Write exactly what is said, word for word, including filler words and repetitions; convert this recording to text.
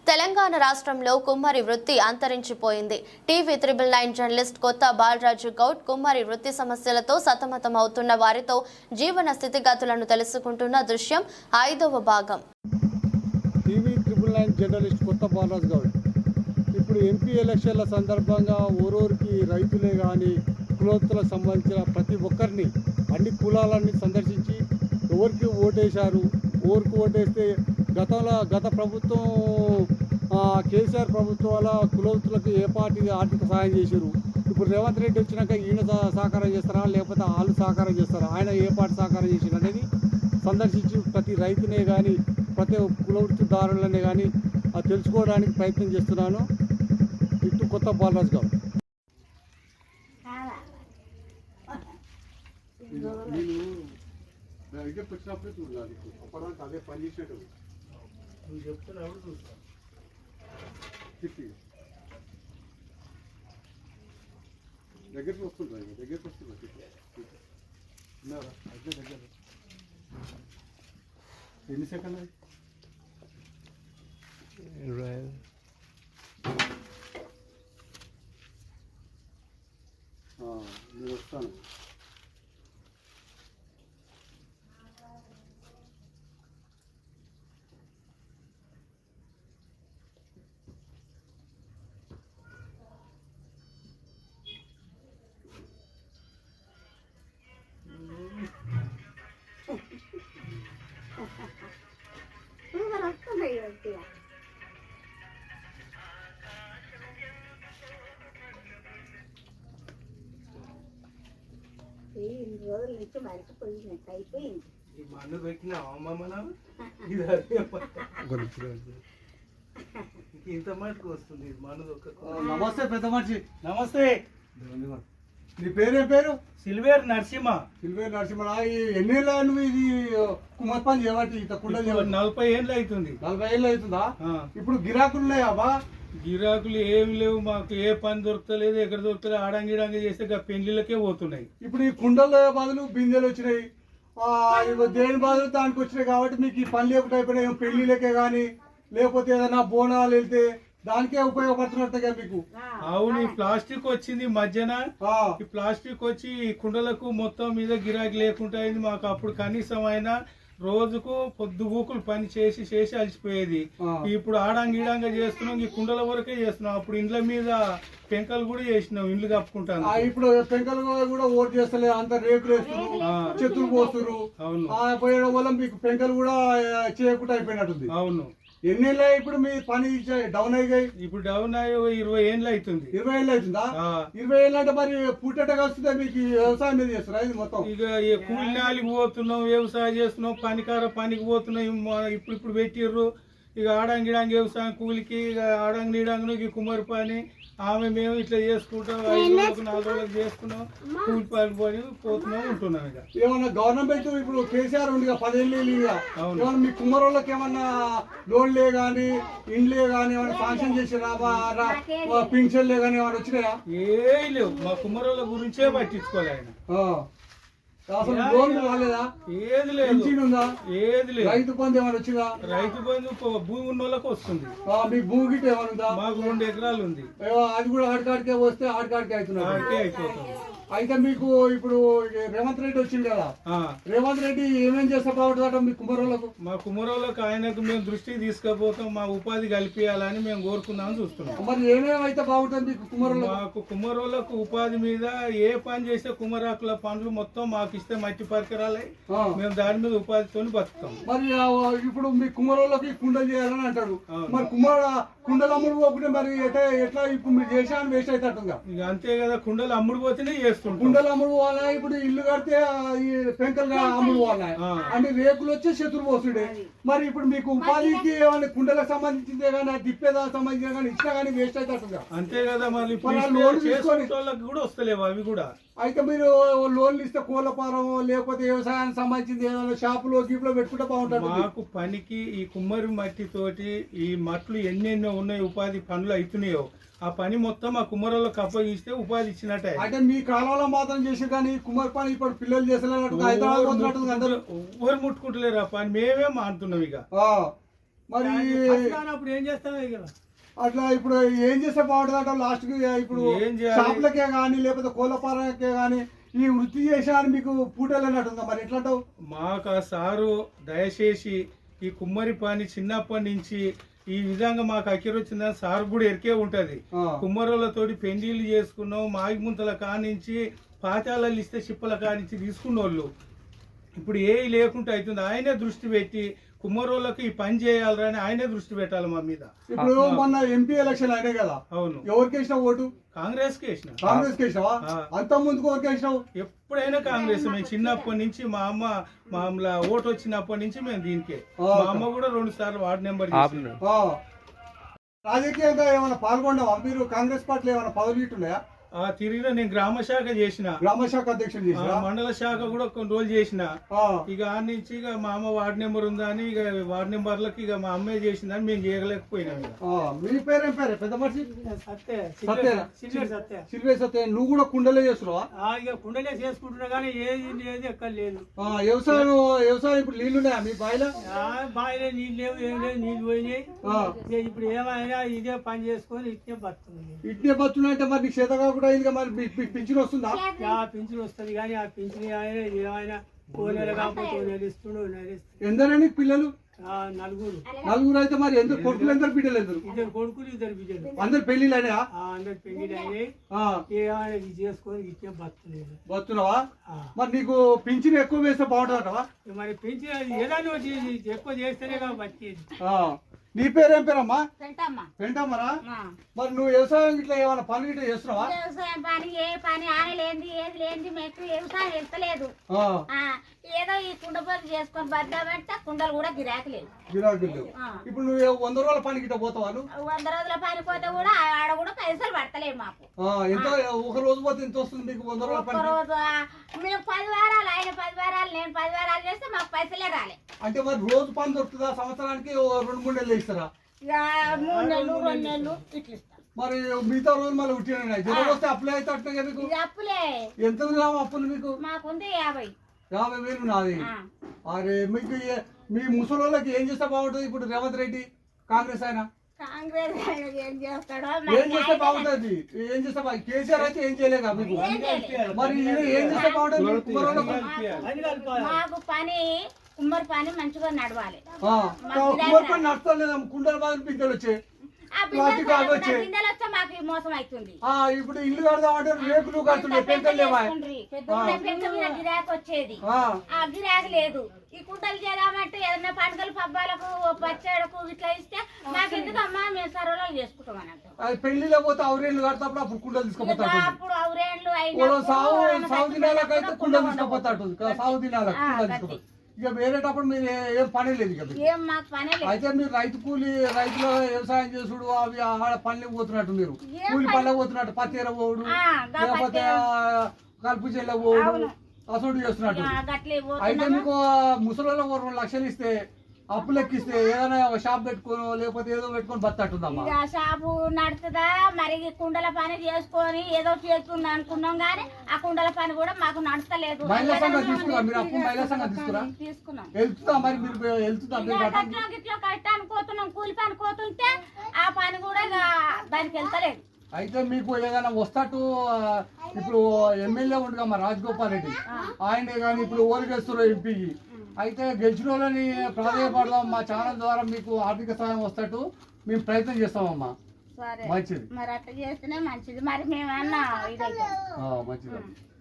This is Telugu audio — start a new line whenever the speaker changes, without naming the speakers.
తెలంగాణ రాష్ట్రంలో కుమ్మరి వృత్తి అంతరించిపోయింది. టీవీ త్రిబుల్ నైన్ జర్నలిస్ట్ కొత్త బాలరాజు గౌడ్ కుమ్మరి వృత్తి సమస్యలతో సతమతం అవుతున్న వారితో జీవన స్థితిగతులను తెలుసుకుంటున్న దృశ్యం ఐదవ భాగం.
టీవీ త్రిబుల్ నైన్ జర్నలిస్ట్ కొత్త బాలరాజు గౌడ్ ఇప్పుడు ఎంపీ ఎలక్షన్ల సందర్భంగా ఓరోరికి రైతులే కానీ కులోత్తులకు సంబంధించిన ప్రతి ఒక్కరిని అన్ని కులాలన్నీ సందర్శించి ఎవరికి ఓటేశారు, ఓరికి ఓటేస్తే గతంలో గత ప్రభుత్వం కేసీఆర్ ప్రభుత్వాల కులోత్తులకు ఏ పార్టీ ఆర్థిక సహాయం చేశారు, ఇప్పుడు రేవంత్ రెడ్డి వచ్చినాక ఈయన సహకారం చేస్తారా లేకపోతే వాళ్ళు సహకారం చేస్తారా, ఆయన ఏ పార్టీ సహకారం చేశారు అనేది సందర్శించి ప్రతి రైతునే కానీ ప్రతి కులవృత్తిదారులనే కానీ తెలుసుకోవడానికి ప్రయత్నం చేస్తున్నాను. ఇటు కొత్త బాలరాజు గౌడ్. నేను దగ్గరకు వచ్చినప్పుడే చూడాలి, అప్పటిదాకా అదే పని చేసేటప్పుడు నువ్వు చెప్తున్నప్పుడు చూస్తాను. దగ్గరికి వస్తుంటా దగ్గరికి వస్తున్నా అదే దగ్గర ఎన్ని సెకండ్ అది నేను వస్తాను.
ఇన్ని రోజుల నుంచి మరిచిపోయినట్టు అయిపోయింది.
మన్ను పెట్టినా ఇంత మటుకు వస్తుంది మన్ను.
నమస్తే పెద్ద మనిషి.
నమస్తే.
నీ పేరేం పేరు?
సిల్వేర్ నరసింహ.
సిల్వేర్ నరసింహ. ఎన్నేళ్ళ నువ్వు ఇది కుమ్మరి పని చేయబట్టి ఇంత కుండ చేయబట్టి?
నలభై ఏళ్ళు అవుతుంది.
నలభై ఏళ్ళు అవుతుందా? ఇప్పుడు గిరాకులు ఉన్నాయా?
గిరాకులు ఏమి లేవు, మాకు ఏ పని దొరకలేదు, ఎక్కడ దొరకలేదు. ఆడంగిడంగి చేస్తే పెళ్లిళ్ళకే పోతున్నాయి.
ఇప్పుడు ఈ కుండల బదులు బిందెలు వచ్చినాయి, దేని బదులు దానికి వచ్చినాయి కాబట్టి మీకు ఈ పని లేకుండా అయిపోయినాయి. పెళ్లిళ్ళకే కానీ లేకపోతే ఏదైనా బోనాలు వెళ్తే దానికే ఉపయోగపడుతున్నట్టుగా మీకు.
అవును, ఈ ప్లాస్టిక్ వచ్చింది మధ్యన. ఈ ప్లాస్టిక్ వచ్చి ఈ కుండలకు మొత్తం మీద గిరాకీ లేకుండా అయింది. మాకు అప్పుడు కనీసం అయినా రోజుకు పొద్దుగూకులు పని చేసి చేసి అలసిపోయేది. ఇప్పుడు ఆడంగిడంగా చేస్తున్నాం, ఈ కుండల వరకే చేస్తున్నాం. అప్పుడు ఇండ్ల మీద పెంకలు కూడా చేసినాం, ఇండ్లు కప్పుకుంటాను.
ఇప్పుడు పెంకలు కూడా ఓటు చేస్తలే, అంత రేకులు వేస్తున్నారు, చెట్టులు పోస్తున్నారు. అవును, పోయడం వల్ల మీకు పెంకలు కూడా చేయకుండా అయిపోయినట్టుంది.
అవును.
ఎన్నేళ్ళు ఇప్పుడు మీ పని డౌన్ అయ్యాయి?
ఇప్పుడు డౌన్ అయ్యి ఇరవై ఏళ్ళు అవుతుంది.
ఇరవై ఏళ్ళు అవుతుందా? ఇరవై ఏళ్ళు అంటే మరి పుట్టేటగా వస్తుందా మీకు? వ్యవసాయం మీద చేస్తారా ఇది మొత్తం?
ఇక కూలినాలికి పోతున్నాం, వ్యవసాయం చేస్తున్నాం, పనికార పనికి పోతున్నాం. ఇప్పుడు ఇప్పుడు పెట్టిర్రు ఇక ఆడంగిడాంగి వ్యవసాయం కూలికి, ఇక ఆడంగిడాంగి కుమ్మరి పని. ఆమె మేము ఇట్లా చేసుకుంటాం, ఐదు రోజులకు నాలుగు రోజులకు చేసుకున్నాం, కూలి పని పని పోతున్నాం ఉంటున్నాం. ఇక
ఏమన్నా గవర్నమెంట్ ఇప్పుడు కేసీఆర్ ఉంది పదేళ్ళు ఏమన్నా మీ కుమ్మరోళ్ళకి ఏమన్నా లోన్లే కానీ ఇండ్లే కానీ ఏమన్నా శాంక్షన్ చేసిరా, పింఛన్లే కానీ ఏమన్నా వచ్చినాయా?
ఏ లేవు, మా కుమ్మరోళ్ళ గురించే పట్టించుకోలే ఆయన.
అసలు లోన్ రాలేదా?
ఏది లేదు, ఏది లేదు.
రైతు బంధు ఏమైనా వచ్చిందా?
రైతు బంధు భూమి ఉన్న వాళ్ళకి వస్తుంది.
మీ భూమి గిట్ట ఏమైనా ఉందా?
మాకు రెండు ఎకరాలు ఉంది.
అది కూడా ఆడికాడికే వస్తే ఆడికాడికే అవుతున్నా
అయిపోతుంది.
అయితే మీకు ఇప్పుడు రేవంత్ రెడ్డి వచ్చింది కదా, రేవంత్ రెడ్డి ఏమేం చేస్తా బాగుంటుందట మీ కుమ్మరోళ్ళకు?
మా కుమ్మరోళ్ళకు ఆయనకు మేము దృష్టికి తీసుకుపోతాం, మా ఉపాధి కల్పించాలని మేము కోరుకుందామని చూస్తున్నాం.
మరి ఏమేమైతే బాగుంటుంది మీకు కుమ్మరోళ్ళకు?
మాకు కుమ్మరోళ్ళకు ఉపాధి మీద ఏ పని చేస్తే కుమ్మరాకుల పనులు మొత్తం మాకు ఇస్తే మట్టి పరికరాలే, మేము దాని మీద ఉపాధితో బతుకుతాం.
మరి ఇప్పుడు మీ కుమ్మరోళ్ళకి కుండలు చేయాలని అంటారు, మరి కుమ్మర కుండలు అమ్ముడు పోకుంటే మరి ఎట్లా ఎట్లా ఇప్పుడు మీరు చేసాను వేస్ట్ అవుతుందా?
ఇక అంతే కదా, కుండలు అమ్ముడు పోతేనే
కుండలు అమ్ముడు పోవాలా? ఇప్పుడు ఇల్లు కడితే పెంకలు అమ్ముడు పోవాలా? అంటే రేకులు వచ్చే శత్రు పోతుండే. మరి ఇప్పుడు మీకు ఉపాధికి ఏమైనా కుండలకు సంబంధించిందే కానీ తిప్పేదానికి సంబంధించిన కానీ ఇచ్చినా కానీ వేస్ట్ అవుతుందా?
అంతే కదా, మరి
లోన్ తీసుకొని
కూడా వస్తలేవు అవి కూడా.
అయితే మీరు లోన్లు ఇస్తే కోళ్ళ ఫారం లేకపోతే వ్యవసాయానికి సంబంధించింది ఏదైనా షాపులో గీపులో పెట్టుకుంటే బాగుంటుంది.
మాకు పనికి ఈ కుమ్మరి మట్టి తోటి ఈ మట్లు ఎన్నెన్నో ఉన్నాయి, ఉపాధి పనులు అవుతున్నాయో ఆ పని మొత్తం ఆ కుమ్మరోళ్ళకి అప్పగిస్తే ఉపాధి ఇచ్చినట్టే.
అంటే మీ కాలంలో మాత్రం చేసి కానీ కుమ్మరి పని ఇప్పుడు పిల్లలు చేసేటట్టు
ఎవరు ముట్టుకుంటలేరు ఆ పని, మేమే మానుతున్నాం. ఇక
మరి
అప్పుడు ఏం చేస్తావు ఇక
అట్లా ఇప్పుడు ఏం చేస్తే బాగుంటుంది అంటే లాస్ట్ కి ఇప్పుడు
ఏం చేయాలి?
షాపులకే కానీ లేకపోతే కోళ్ళపాలకే కానీ ఈ వృత్తి చేసా అని మీకు పూటలేనట్టుందా మరి ఎట్లా అంటావు?
మాకు ఆ సారు దయచేసి ఈ కుమ్మరి పని చిన్నప్పటి నుంచి ఈ విధంగా మాకు అక్కిరి వచ్చిందని సార్ కూడా ఎరికే ఉంటది.
ఆ.
కుమ్మరులతోటి పెండిళ్ళు చేసుకున్నాం, మాగి ముంతల కానించి పాతాళాలు ఇస్తే చిప్పల కానించి తీసుకున్నోళ్ళు ఇప్పుడు ఏ లేకుండా అవుతుంది. ఆయనే దృష్టి పెట్టి కుమ్మరోళ్ళకి ఈ పని చేయాలని అని ఆయనే దృష్టి పెట్టాలి మా మీద.
ఇప్పుడు మొన్న ఎంపీ ఎలక్షన్ అయినాయి కదా,
అవును,
ఎవరికి వేసినావు ఓటు?
కాంగ్రెస్ కి వేసిన.
కాంగ్రెస్ కి వేసినావా?
ఆ.
అంత ముందుకు ఎవరికి వేసినావు?
ఎప్పుడైనా కాంగ్రెస్. మేము చిన్నప్పటి నుంచి మా అమ్మ మామూలు ఓటు వచ్చినప్పటి నుంచి మేము దీనికే.
ఆ.
మా అమ్మ కూడా రెండు సార్లు వార్డు నెంబర్ చేసింది.
ఆ. రాజకీయంగా ఏమైనా పాల్గొన్నావా మీరు? కాంగ్రెస్ పార్టీలో ఏమైనా పదవులు ఇట్టున్నాయా?
ఆ తిరిగిన నేను గ్రామ శాఖ చేసిన,
గ్రామ శాఖ అధ్యక్షుడు
ఆ,
చేసినా?
మండల శాఖ కూడా కొన్ని రోజులు చేసిన.
ఆ.
ఇక ఆ నుంచి ఇక మా అమ్మ వార్డు నెంబర్ ఉందా అని ఇక వార్డు నెంబర్లకి ఇక మా అమ్మే చేసిందని మేము చేయలేకపోయినాం. ఇక
ఆ. మీ పేరేం పేరే పెద్ద మనిషి?
సత్తే
సత్యేనా?
సిల్వర్ సత్తే
సిల్వే సత్య. నువ్వు కూడా కుండలే చేస్తున్నావా?
ఆ, ఇక కుండలే చేసుకుంటున్నా కానీ ఏది లేదు ఎక్కడ లేదు.
ఆ, వ్యవసాయం వ్యవసాయం ఇప్పుడు నీళ్లు ఉన్నాయా మీ బాయిలో?
ఆ, బావిలో నీళ్ళు లేవు, ఏం లేదు, నీళ్ళు పోయినాయి.
ఆ.
ఇక ఇప్పుడు ఏమైనా ఇదే పని చేసుకొని ఇట్నే బతుంది.
ఇట్నే బతున్నాయంటే మరి నీకు చేత కాకుండా అయింది మరి మీ- మీ పింఛన్ వస్తుందా?
ఆ పింఛన్ వస్తుంది కానీ ఆ పింఛన్ ఆయన ఏమైనా ఓ నెల కాకపోతే ఓ నెల ఇస్తుండు, ఓ నెల ఇస్తుండు.
ఎందరని పిల్లలు?
ఆ, నలుగురు,
నలుగురు అయితే మరి ఎందుకు కొడుకులు ఎందరు బిడ్డలు ఎందరు?
ఇద్దరు కొడుకులు ఇద్దరు బిడ్డలు.
అందరు పెళ్లిళ్ళు అయినా?
ఆ, అందరు పెళ్లి అయినాయి. ఏమైనా ఇది చేసుకొని ఇట్నే బతుంది.
వస్తున్నావా?
ఆ,
మరి నీకు పింఛన్ ఎక్కువ వేస్తే బాగుంటుందటవా?
మరి పెంచిన ఏదైనా ఒకటి ఎక్కువ చేస్తేనే కదా బతికేది.
నీ పేరేం పేరమ్మా?
పెంటమ్మా
పెంటమ్మరా?
మా.
మరి నువ్వు వ్యవసాయం ఇట్లా ఏమైనా పనులు ఇట్లా చేస్తున్నావా?
వ్యవసాయం పని ఏ పని ఆనలేంది ఏది లేనిది మెట్టు వ్యవసాయం వెళ్తలేదు.
ఆ,
ఆ, ఏదో ఈ కుండ పనులు చేసుకొని బద్దామంటే కుండలు కూడా గిరాకీ లేదు.
గిరాకీలు లేవు.
ఆ.
ఇప్పుడు నువ్వు వంద రోజుల పనికి ఇట్లా పోతావా నువ్వు?
వంద రోజుల పని పోతే కూడా ఆడ కూడా పైసలు పడతలేదు మాకు.
ఆ, ఎంత ఒక రోజు పోతే ఎంత వస్తుంది మీకు వంద రోజుల
ఒక్క
పనికి?
రోజు ఆ, మేము పది వారాలు ఆయన పది వారాలు నేను పది వారాలు చేస్తే మాకు పైసలే రాలే.
అంటే మరి రోజు పని దొరుకుతుందా? సంవత్సరానికి ఓ రెండు మూడు నెలలు ఇస్తారా?
ఇక మూడు నెలలు రెండు నెలలు ఇట్లా ఇస్తాం.
మరి మిగతా రోజు మళ్ళీ ఉట్టినాయి జ్వరం వస్తే అప్లై అయితే అట్లా మీకు
ఇది అప్పులే
ఎంత రావు అప్పులు మీకు?
మాకుంది యాభై.
యాభై వేలు నాది.
ఆ.
అరే మీకు ఏ- మీ ముసలోళ్ళకి ఏం చేస్తే బాగుంటుంది ఇప్పుడు రేవంత్ రెడ్డి కాంగ్రెస్ ఆయన
కాంగ్రెస్ ఆయన ఏం చేస్తాడో
ఏం చేస్తే బాగుంటుంది? ఏం చేస్తే బాగు- కేసీఆర్ అయితే ఏం చేయలేక మీకు?
ఏం చేయలేదు.
మరి ఈయన ఏం చేస్తే బాగుంటుంది మీ కుమారులకు?
పని కలపాలి.
మాకు పని కుమ్మరి పని మంచిగా నడవాలి.
ఆ, కుమార్ పని నడుస్తాం లేదా? కుండల బాధలు పింఛలు వచ్చాయి.
ఆ
ప్లాస్టిక్
బిందెలు
ఆకు వచ్చాయి.
బిందెలు వస్తే మాకు ఈ మోసం అవుతుంది.
ఆ, ఇప్పుడు ఇల్లు కడదామంటే రేకులు కడుతున్నాయి, పెంకలు లేవా?
పెద్ద పెద్ద మీద గిరాకీ వచ్చేది.
ఆ,
ఆ గిరాకీ లేదు. ఈ కుంటలు చేద్దామంటే ఏదైనా పండుగలు పబ్బాలకు పచ్చడకు ఇట్లా ఇస్తే మాకు ఎందుకమ్మా మేము సర్వలో చేసుకుంటాం అన్నట్టు.
అది పెళ్లిలో పోతే అవురేళ్ళు కడతాప్పుడు అప్పుడు కుండలు తీసుకుపోతాడు.
అప్పుడు అవురేళ్ళు
ఓ సాగు సాగు దినాలకు అయితే కుండలు తీసుకుపోతాడు. సాగు దినాలకు
ఆ,
కుండలు
గట్టి.
తీసుకుపోతాడు. ఇక వేరేటప్పుడు మీరు ఏ- ఏం పని లేదు ఇక మీకు.
ఏం మాకు పనే లేదు.
అయితే మీరు రైతు కూలి రైతులు వ్యవసాయం చేసుడు అవి ఆడ పనులకు పోతున్నట్టు మీరు
ఏం
కూలి
పని?
పనులకు పోతున్నట్టు పత్తేర పోవుడు
ఆ, గా
లేకపోతే
పత్తేర.
కలుపు చెల్ల పోవుడు
అవును.
అసలు చేస్తున్నట్టు.
ఆ, గట్లే
అయితే
పోతున్నాము.
మీకు ముసలిలో రెండు లక్షలు ఇస్తే అప్పు లెక్కిస్తే ఏదైనా ఒక షాప్ పెట్టుకోను లేకపోతే ఏదో పెట్టుకొని బతట్టుకుందమ్మా.
ఇక షాపు నడుతుందా మరి ఈ కుండల పని చేసుకొని ఏదో చేస్తుంది అనుకున్నాం కానీ ఆ కుండల పని కూడా మాకు నడతలేదు.
మహిళా సంఘం తీసుకురా మీరు అప్పు మహిళా సంఘం తీసుకురా
తీసుకున్నాం.
వెళ్తుందా మరి మీరు వెళ్తుందా
ఇక
మీరు గట్ల?
గట్ల గిట్ల కట్టాను పోతున్నాం కూలి పని పోతుంటే ఆ పని కూడా ఇక దానికి వెళ్తలేదు.
అయితే మీకు ఏదైనా వస్తట్టు ఆ, ఇప్పుడు ఎమ్మెల్యే ఉండగా మా రాజగోపాల్ రెడ్డి ఆయనే కానీ ఇప్పుడు ఓరిగేస్తున్నారు ఎంపీకి. అయితే గెలిచిన వాళ్ళని ప్రాధాన్యపడదాం మా ఛానల్ ద్వారా మీకు ఆర్థిక సహాయం వస్తట్టు మేము ప్రయత్నం చేస్తామమ్మా.
సరే
మంచిది.
మరి అట్లా చేస్తేనే మంచిది. మరి మేమన్నా ఇదైతే
ఆ, మంచిది.